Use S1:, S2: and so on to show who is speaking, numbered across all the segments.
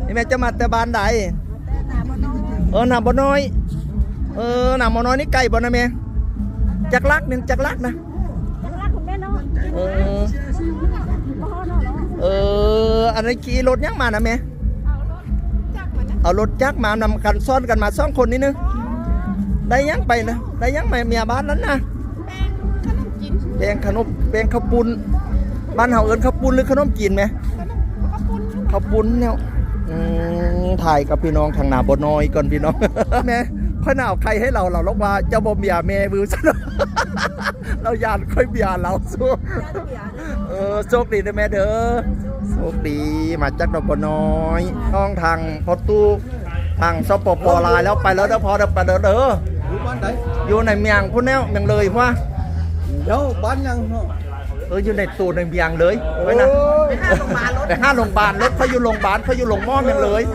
S1: นี่แม่จะมาแต่บ้านใดหนาบ่น้อยหนาบ่น้อยนี่ไก่บ่นะแม่จักลักหนึ่งจักลักนะอันนี้ขี่รถยังมานะแม่เอารถจักมานำกันซ้อนกันมาสองคนนี่นึงได้ยังไปนะได้ยังเมียบ้านนั้นนะแบงขนมแบงข้าวปุ้นบ้านเฮาเอิ้นข้าวปุ้นหรือขนมจีนไหมข้าวปุ้นเนี่ยถ่ายกับพี่น้องทางหนาบ่น้อยก่อนพี่น้องแม่ค่อยหนาวใครให้เราลกว่าเจ้าบ่เมียแม่วิวซะเรายานค่อยเบียเราสู้โชคดีนะแม่เด้อโชคดีมาจากดอกบ่น้อยน้องทางพอตู้ทางสปปลายแล้วไปแล้วเด้อพอเด้อไปเด้อ
S2: อยู่บ้านไหน
S1: อยู่ในเมียงพุ่นแนวเมียงเลยว่า
S2: เดี๋ยวบ้านยัง
S1: อยู่ในตัวในเมียงเลยไว้นะแต่5โรงพยาบาลรถเขาอยู่โรงพยาบาลเขาอยู่โรงหม้อเมียงเลย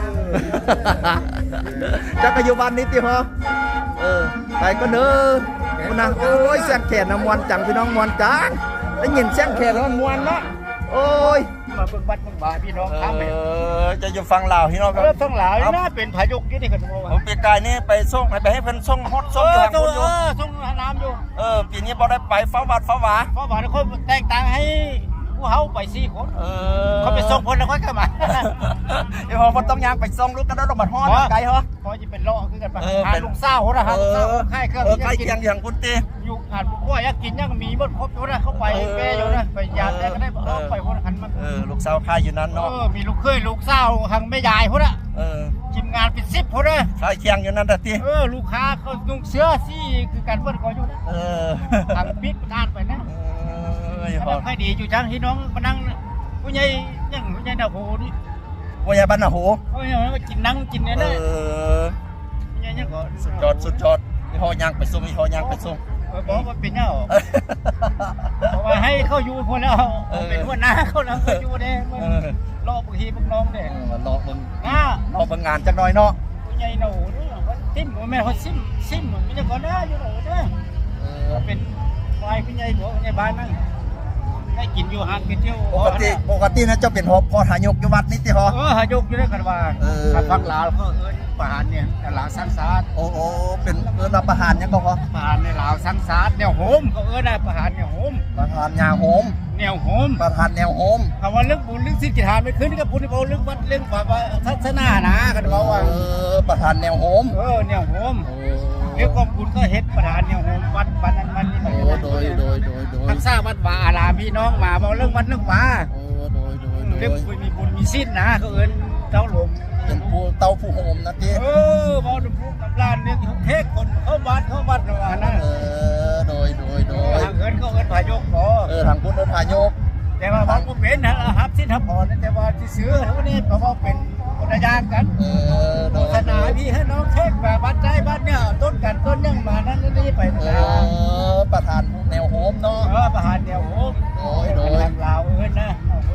S1: จักรยานนี้ติฮะไปก็เด้อคุณนะโอ้ยแซงแขนน้ำมวนจังพี่น้องมวนจังได้ยินแซงแขนแล้วมวนเนาะโอ้ย
S2: มาเบิ่งบัดเบิ่งบาพี่น้องทำไป
S1: จะอยู่ฟังลาวพี่น้องครับ
S2: ฟังลาวน่าเป็นพายุกี่นี่กัน
S1: ผมปีกายนี่ไปส่งไปให้เพิ่นส่งฮอตส่งอยู่ทางคุณอยู่
S2: ส่งน้ำอยู่
S1: ปีนี้บ่ได้ไปฟ้าวัดฟ้าหวา
S2: เขาแต่งตั้งให้ผู้เฮาไป4คนเขาไปส่งคนแล้วค่อยกลับมา
S1: เดี๋ยวพอต้องย่างไปส่งลูกกันแล้วดอกบัดฮอดไกลเหรอ
S2: พอจะเป็นล้อคือกันไปหาลูกสาวนะฮะค่ายเครื่อง
S1: ใกล้เคียงอย่างคุณตี
S2: อยู่อ่านผู้อยากกินยังมีหมดครบอยู่นะเขาไปแม่อยู่นะไปยาแต่ก็ได้ไปคนหันมา
S1: ลูกสาวค่ายอยู่นั้นเนาะ
S2: มีลูกเคยลูกสาวทางแม่ยายพุ่นอ่ะทีมงานเป็น10พุ่นเลย
S1: ค่ายเคียงอยู่นั้นแต่ตี
S2: ลูกค้าเขานุ่งเสื้อซี่คือการเปิ้นก็อยู่นะทางปิดทานไปนะให้ดีอยู่จังที่น้องมานั่งผู้ใหญ่ยังผู้ใหญ่ดาวโหนี่
S1: ผู้ใหญ่บ้านนาโห
S2: ผู้ใหญ่มากินนั่งกินเนี่ยนะผู้ใหญ่ยังก็
S1: สุดยอดมีหอย่างไปส่งมีหอย่างไปส่ง
S2: บอกว่าเป็นเนาะเพราะว่าให้เขาอยู่คนแล้วเป็นหัวหน้าเขาแล้วเขาอยู่เด้รอบางทีพวกน้องเด้
S1: รอเบิ่งงานจังหน่อยเนาะ
S2: ผู้ใหญ่ดาวโหนี่เขาซิมแม่เขาซิมมันจะก่อนนะอยู่เด้อเป็นฝ่ายผู้ใหญ่ของผู้ใหญ่บ้านนั่งได้กินอยู่หันกินเที่ยว
S1: ปกตินะเจ้าเป็นพอหายกอยู่วัดนี่ติฮะ
S2: หายกอยู่ด้วยกันว่าฟังลาวเขาประหารเนี่ยลาวสังสาร
S1: โอ้เป็นรับประหารยังก็พอ
S2: ประหารในลาวสังสารแนวโหมเขาได้ประหารแนวโหม
S1: ประหารยาโหม
S2: แนวโหม
S1: ประหารแนวโหม
S2: คำว่าเรื่องบุญเรื่องศีลกิจทานไม่ขึ้นกับบุญเรื่องวัดเรื่องศาสนานะกันว่า
S1: ประหารแนวโหม
S2: แนวโหมเรื่องกองบุญก็เฮ็ดประหารแนวโหมวัดนั้นมันนี่
S1: โดย
S2: ทักษะวัดวาอารามพี่น้องมาบอกเรื่องวัดเรื่องวาเรื่องมีบุญมีศีลนะเขาเจ้าหลวง
S1: เป็นผู้เต้าผู้โหมนะที
S2: บอกดูผู้กับร้านเนี่ยเทศคนเขาวัดว่านะ
S1: โดย
S2: ทางเงินเขาพายก
S1: ทางคุณพายก
S2: แต่ว่าบางคนเป็นนะครับสิทธิ์พรแต่ว่าที่ซื้อเขาเนี่ยเขาบอกเป็นคนยากกันโฆษณาพี่ให้น้องเทศแบบวัดใจบ้านเนี่ยต้นกันต้นยังมานั้นนี่ไป
S1: ประธานแนวโหมเนาะ
S2: ประธานแนวโหม
S1: โดย
S2: ลาวนะ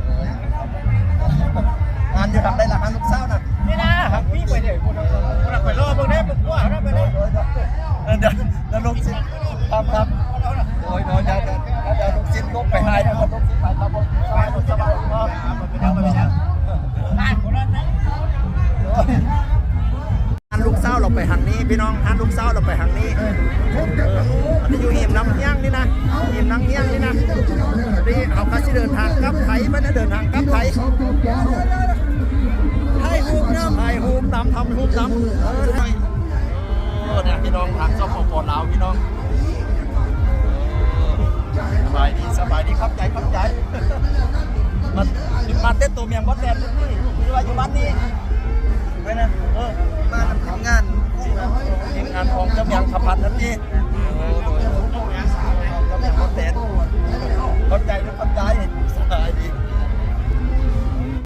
S1: งานอยู่ทำได้ละลูกสาวนะ
S2: นี่นะครับพี่ไปเลยคุณไปรอพวกนี้พวกว่าไปเลย
S1: เดี๋ยวลูกศิษย์ครับโดยเดี๋ยวลูกศิษย์ลูกไปให้นะครับลูกศิษย์ไปครับผมสบายลูกสาวเราไปทางนี้พี่น้องลูกสาวเราไปทางนี้อันนี้อยู่หิมน้ำย่างนี่นะหิมน้ำย่างนี่นะนี่เอากระชิเดินทางกลับไทยไม่ได้เดินทางกลับไทยให้ฮูมตามทำฮูมตามเนี่ยพี่น้องทางสปปลาวพี่น้องสบายดีครับใจมาเต้นตัวเมียงวัดแดนนี่อยู่ว่าอยู่บ้านนี้ไปนะมาทำงานของเจ้าเมียงขับพันนั่นนี่